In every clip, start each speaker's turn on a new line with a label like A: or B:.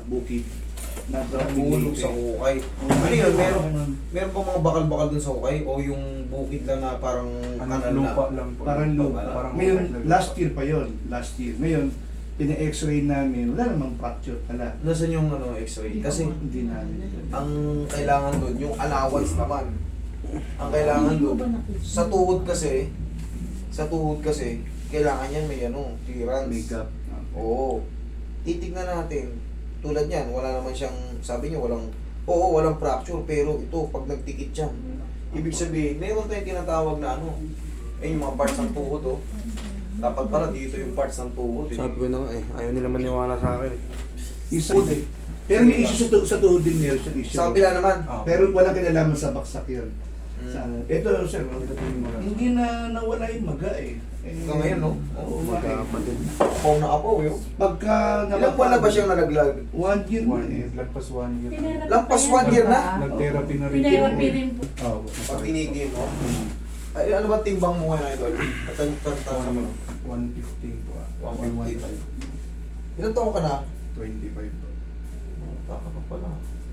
A: bukid.
B: Nabulog sa ukay. Ano yun? Meron pa mga bakal-bakal dun sa ukay? O yung bukid lang na parang kanal na?
C: Lupa lang po.
A: Parang lupa.
C: Parang
A: Ngayon,
C: okay lang.
A: last year pa yon. Last year. Ngayon, pina-x-ray namin, wala namang fracture pala.
B: Nasaan yung ano, x-ray? Kasi
A: Hindi namin.
B: ang kailangan doon, yung allowance naman. Ang kailangan doon, sa tuhod kasi, kailangan yan may ano, clearance.
A: Makeup.
B: Oo. Titignan natin. Tulad yan, wala naman siyang, sabi niya walang fracture, pero ito, pag nagtikit yan, ibig sabihin, meron tayong tinatawag na ano, yung mga parts ng tuhod, oh. Dapat pala dito yung parts ng tuhod, eh.
D: Sabi ko na nga eh, ayaw nila maniwala sa akin eh.
A: Isa din. Pero may issue sa tuhod din meron siyang issue.
B: Sa kapila naman.
C: Ah,
A: Pero walang kinalaman sa baksak yun.
B: Mm.
A: Sa, ito, sir, hindi na nawala yung maga eh.
B: Ito ngayon, no?
A: Oo,
D: Magkapatid.
B: Apaw na apaw, yun.
A: Pagka
B: Ilang buwan na ba siyang nalaglag?
A: 1 year na
C: 1
A: eh.
C: year. Lagpas 1 year.
B: Lampas 1 year na?
C: Nag-therapy na rin.
E: Pinayrapi rin po.
C: Oo.
B: Pag tinigil mo. Ay, ano ba timbang mo ngayon, idol? Katanta sa mga.
C: 115 po.
B: 115. Ilan taon ka na?
C: 25 po.
B: Baka pa pala.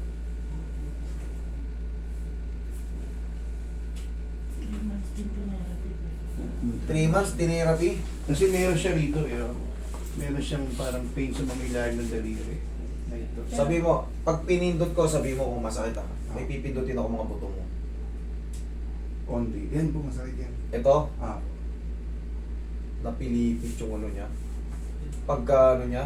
E: Din pinayrapi po.
B: 3 months, tinerapi.
A: Kasi meron siya rito eh. Oh. Meron siyang parang pain sa mga ilalim ng daliri. Na ito.
B: Sabi mo, pag pinindot ko, sabi mo kung masakit ah. May pipindutin ako mga buto mo.
C: Only. Yan po, masakit yan.
B: Ito,
C: Ah,
B: napilipit yung ano niya. Pagka ano niya,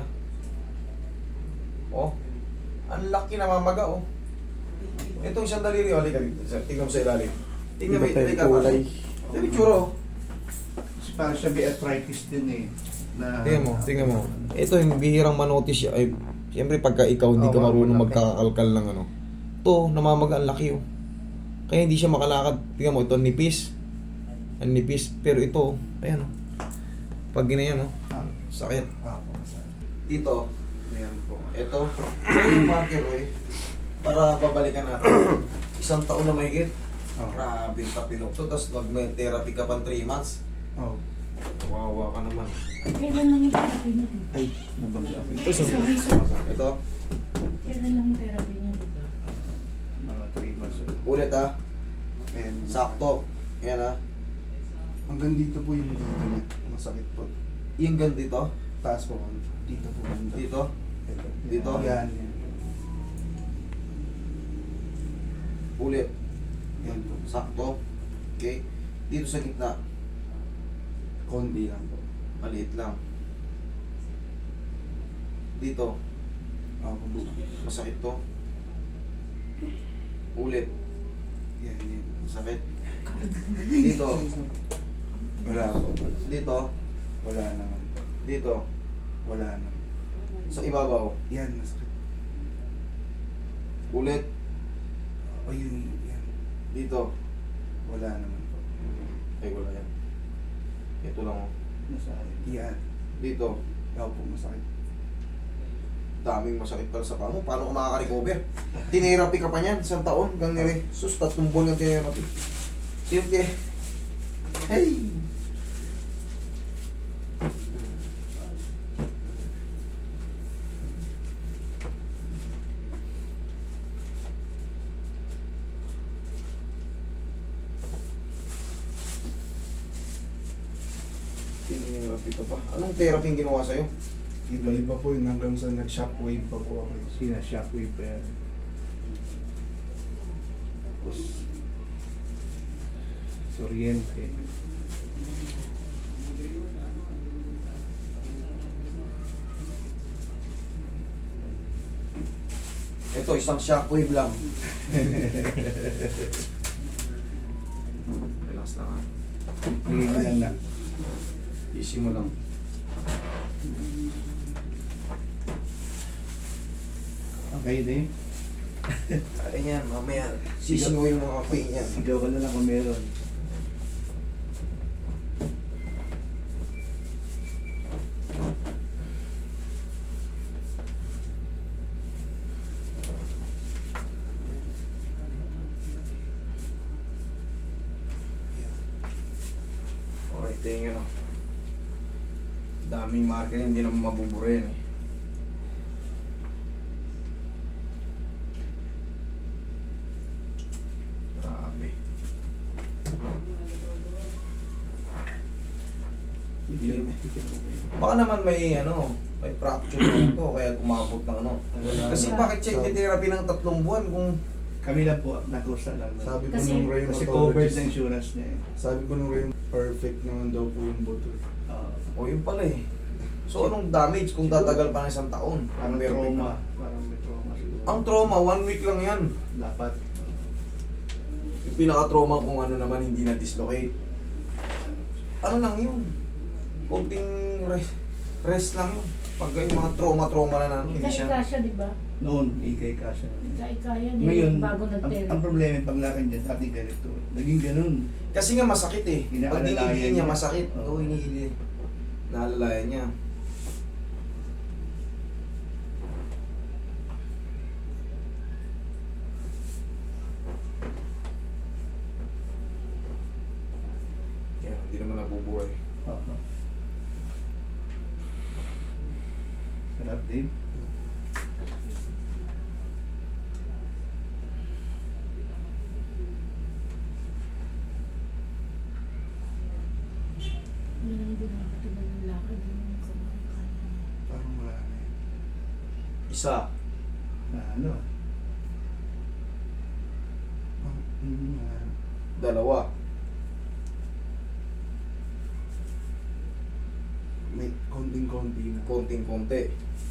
B: oh, ang laki na mamaga oh. Itong isang daliri, oh, halika dito. Tingnan mo sa ilalim. Tingnan mo,
D: Iba tayo
B: halika
D: kulay.
B: Ito yung tsura oh.
A: Kasi parang siya may arthritis din eh. Na,
B: Tingnan mo. Ito yung bihirang manotice siya. Ay, siyempre pagka ikaw hindi ka marunong magkakakalkal ng ano. Ito, namamaga ang laki oh. Kaya hindi siya makalakad. Tingnan mo, ito nipis. Ang nipis. Pero ito, ayan oh. Pag ginayan oh, sakit.
C: po, masakit.
B: Dito,
C: Ayan po.
B: ito, yung marker eh. Para babalikan natin. 1 taon na mahigit.
C: Oo.
B: Grabe yung tapilok to. Tapos mag-therapy ka pang 3 months.
C: Oh.
B: Kawawa ka naman.
E: Kailan lang yung therapy niya dito?
A: Ay, nabagsak.
E: Sorry, sir.
B: Ito,
E: Kailan lang yung therapy niya dito?
A: Mga 3 months.
B: ulit ah.
C: And
B: Sakto. Yan ah.
C: hanggang dito po yung dito niya. Masakit po.
B: Yung gan dito.
C: Taas po. Dito po. Dito.
B: Dito. Dito?
C: Yan. Yan.
B: Ulit.
C: Yan po.
B: Sakto. Okay. Dito sa gitna.
C: Konti lang po.
B: Maliit lang. Dito.
C: Opo.
B: Masakit to. Ulit.
C: Yan, yan.
B: Sakit. Dito.
C: Wala po.
B: Dito.
C: Wala naman po.
B: Dito.
C: Wala naman.
B: Sa ibabaw.
C: Yan, masakit.
B: Ulit.
C: O yun, yan.
B: Dito.
C: Wala naman po.
B: Ay, wala yan. Ito lang oh.
C: Yan.
B: Dito.
C: Opo, masakit.
B: Daming masakit pala sa paa mo. Paano ka makaka-recover? Tinerapi ka pa niyan. 1 taon. Gang nire. Sus, 3 buwan yung tinerapi. Siyempre. Hey! Tinerapi ka pa. Anong therapy yung ginawa sa'yo?
C: Iba-iba po yun hanggang sa nag-shockwave pa po ako.
A: Sina shockwave pa yan. Tapos, Oriente.
B: Ito, isang shockwave lang. Relax lang ha.
A: Ngayon na.
B: Easy mo lang.
A: Okay din.
B: Ay yan, mamaya. Sisi mo yung mga pain yan.
A: Sigaw ka na lang kung meron.
B: Okay, tingin o. Daming marker, hindi naman mabubura yan eh.
A: Yun.
B: Baka naman may may fracture na ito, kaya umabot ng ano. Kasi bakit check the therapy ng 3 buwan kung
A: Kami lang po, nakusa lang.
C: Sabi ko
E: Kasi-
C: nung
A: Kasi covered
C: rheumatologist,
A: na insurance niya eh.
C: sabi ko nung perfect naman daw po yung buto.
B: o yun pala eh. So anong damage kung tatagal pa ng 1 taon?
A: Parang
B: Perfect
A: trauma.
B: na.
A: Parang may trauma siguro.
B: Ang trauma, 1 week lang yan.
A: Dapat.
B: Yung pinaka-trauma kung ano naman hindi na-dislocate. Ano lang yun? Kunting rest lang yun. Pag yung mga trauma na hindi siya.
E: Ika-ika siya, di ba?
A: Noon, ikay ka siya.
E: Ika-ika yan.
A: Ngayon,
E: Bago
A: ang
E: nag-therapy.
A: problema yung paglakad niya, dati ganito. Naging ganun.
B: Kasi nga masakit eh. Pag
A: Inaalalayan
B: dinigil niya
A: niya.
B: masakit.
A: Oo.
B: Oo, hinihili. Naalalayan niya. Yan, hindi naman nabubuhay.
A: Oo. Sarap din.
E: Yun ang ginagawa ng lakad yung kumakain.
C: Parang wala na yun.
B: Isa.
A: Na ano?
C: Wala na.
B: Dalawa.
C: May konting-konti na.
B: Konting-konti.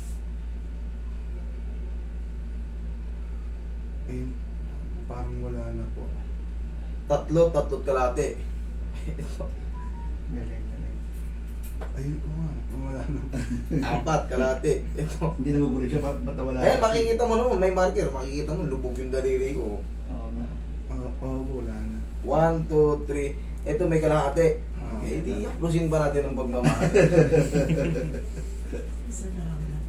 C: Eh, parang wala na po.
B: Tatlot kalate.
A: Galing, galing.
C: Ayun ko nga, wala na.
B: 4 kalate. Ito.
A: Hindi nagugulo siya, ba't wala?
B: Eh, makikita mo naman, may marker. Makikita mo, lubog yung daliri ko.
A: Oo nga.
C: Wala na.
B: 1, 2, 3. Ito may kalahati.
C: Ah.
B: Eh, di yaklusin pa natin ang pagmamahal.
E: Isa na lang na.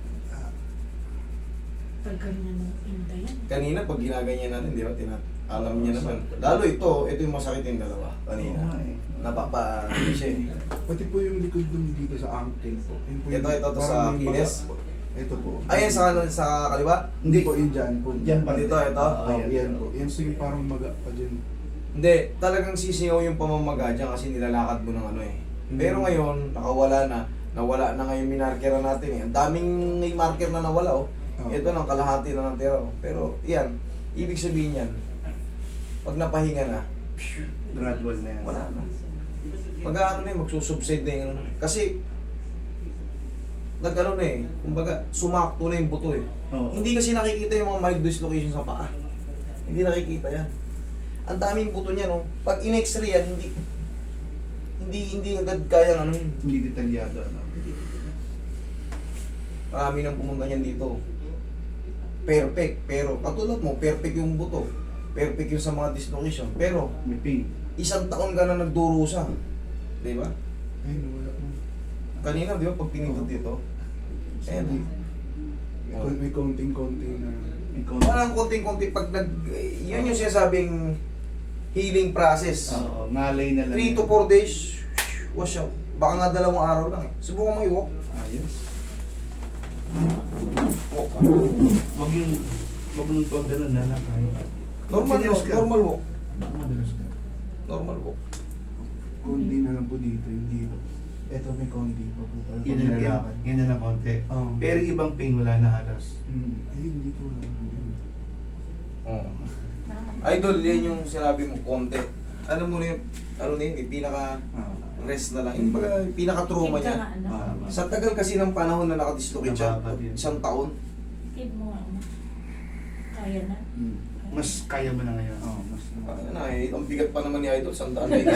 E: Pag ganyan ang intayan.
B: Kanina, pag ginaganyan natin, di ba, alam niya naman. Lalo ito yung masakit yung dalawa.
A: Oo
B: Kanina.
A: nga eh.
B: Napapa, siya eh.
C: Pati po yung likod ng dito sa ankle po. Yun po yung-
B: Ito
C: parang
B: sa
C: may
B: kinis?
C: baga po. Ito po.
B: Ayan sa kaliwa?
C: Hindi po, yun dyan po.
A: Dyan pa.
B: Dito, ito?
A: Oo,
C: Oh,
A: yan.
C: yan po. Yan sige parang maga pa dyan.
B: Hindi, talagang sisingaw yung pamamaga dyan kasi nilalakad mo ng ano eh. Pero ngayon, nakawala na. Nawala na ngayon minarkera natin eh. Ang daming may marker na nawala oh.
C: Oh.
B: Ito lang, kalahati na natira oh. Pero yan, ibig sabihin yan, pag napahinga na,
A: Gradual na yan.
B: wala na. Pag ano na yun, magsusubside na yung ano. Kasi, nag-ano na eh, kumbaga, sumakto na yung buto eh.
A: Oo.
B: Hindi kasi nakikita yung mga mild dislocation sa paa. Hindi nakikita yan. Ang daming buto niya, no? Pag in-x-ray yan, hindi agad kaya ano yun.
A: Hindi detalyado. Ano?
B: Marami nang pumunta niyan dito. Perfect, pero katulad mo, perfect yung buto. Perfect yung sa mga dislocation. Pero,
A: May pain.
B: 1 taon ka na nagdurusa. Di ba?
C: Ayun, wala po.
B: Kanina, di ba, pag pinindot dito, ayan.
C: May konting-konti na.
A: May konti.
B: Parang konting-konti pag yun yung sinasabing healing process.
A: Oo, ngalay na lang.
B: 3 to 4 days, wash out. Baka nga 2 araw lang eh. Subukan mo i-walk.
A: Ayos.
B: Walk ka.
A: Wag yung, wag nung pag gano'n na lang.
B: Normal
A: Serious
B: walk.
A: ka?
B: Normal walk.
A: Madalas ka.
B: Normal walk.
C: Konti na lang po dito, hindi po. Ito may konti pa po. Parang
A: Yun na lang,
C: paglalakad.
A: yun na lang konti.
C: Oo.
A: Pero yung ibang pain wala na halos.
C: Ayun, dito lang.
B: Oh. Idol, yan yung sinabi mo, konti. Ano mo na yun, ano na yun, yung pinaka-rest na lang. Yung pinaka-trauma
E: Keep ka
B: niya.
E: nga, ano?
B: Sa tagal kasi ng panahon na nakadislocate siya,
A: Nababad yun.
B: 1 taon.
E: Keep mo nga, ano? Kaya na.
A: Mas kaya mo na ngayon.
C: Oo, mas
B: Ano na eh, ang bigat pa naman ni Idol, 100 na yun.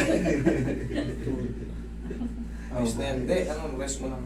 B: Ayos na yan. Hindi, ano, rest mo lang.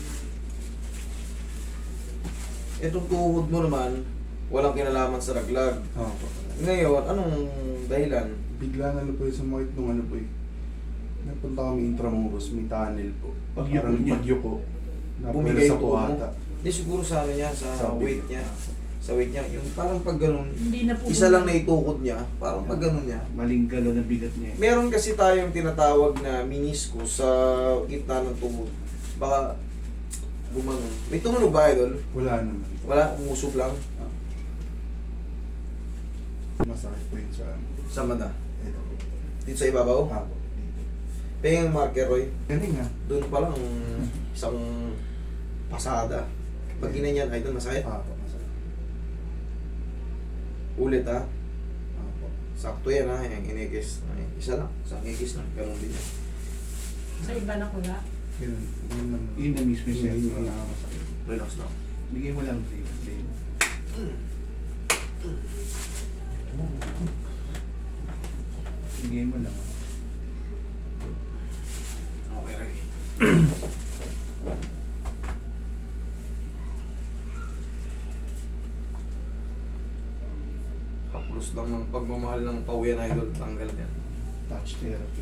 B: Itong tuhod mo naman, walang kinalaman sa raglag.
C: Oo po.
B: Ngayon, anong dahilan?
C: Bigla na lang po yung sumakit nung ano po eh. Napunta kami Intramuros, may tunnel po.
A: Pagyuko
C: Parang
A: niya.
C: pagyuko.
B: Bumigay
C: sa
B: yung tuhod mo?
C: kuwata.
B: Hindi siguro sa ano niya, sa
C: Sabi
B: weight
C: ko.
B: niya. Sa weight niya, yung parang pag ganun,
E: Hindi na po.
B: isa lang na itukod niya, parang pag ganun niya.
A: Maling galaw na bigat niya.
B: Meron kasi tayong tinatawag na meniscus sa gitna ng tuhod. Baka gumanon. May tumunog ba, Idol?
C: Wala naman.
B: Wala, umusog lang.
C: Masakit po yun sa ano.
B: Sa mata.
C: Ito po.
B: Dito sa ibabaw.
C: Apo. Dito.
B: Pengang marker, Roy.
A: Galing ha.
B: Doon pa lang, isang pasada. Pag ginanyan, ay doon masakit.
C: Apo, masakit.
B: Ulit ha.
C: Apo.
B: Sakto yan ha, yung inigis. Ay, isa lang, isang igis lang. Ganun din yan.
E: Sa iba na ko na.
C: Yun. Yun lang.
A: Yun na mismo siya.
C: Yun yung nakakasakit.
B: Relax lang.
A: Bigay mo lang, Dave. Bigay mo lang.
B: Okay, Roy. Kapulus lang ng pagmamahal ng pauyan, idol. Tanggal yan.
A: Touch therapy.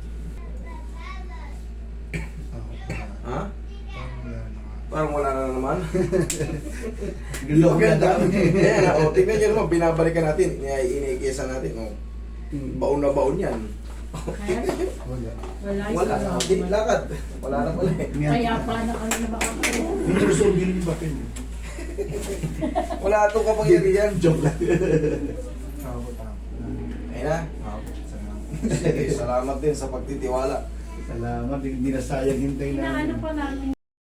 C: Ako.
B: Ha?
C: Parang wala na nga.
B: Parang wala na naman.
A: Gulo ka
B: Ganda.
A: lang.
B: Ayan, o, tingnan nyo naman, binabalikan natin, iniikisa natin, o. Baon na baon yan.
E: Kaya,
C: Wala.
E: wala.
B: Wala na, hindi, lakad. Wala na pala eh.
E: Kaya pa na kami na makakaroon.
A: Hindi ko so bilhin yung papel.
B: Wala itong kapangyarihan. Joke lang.
C: Ako, tama.
B: Ayun na.
C: Ako, salamat.
B: Sige, salamat din sa pagtitiwala.
A: Salamat, hindi na sayang hintay na.
E: Inaano pa namin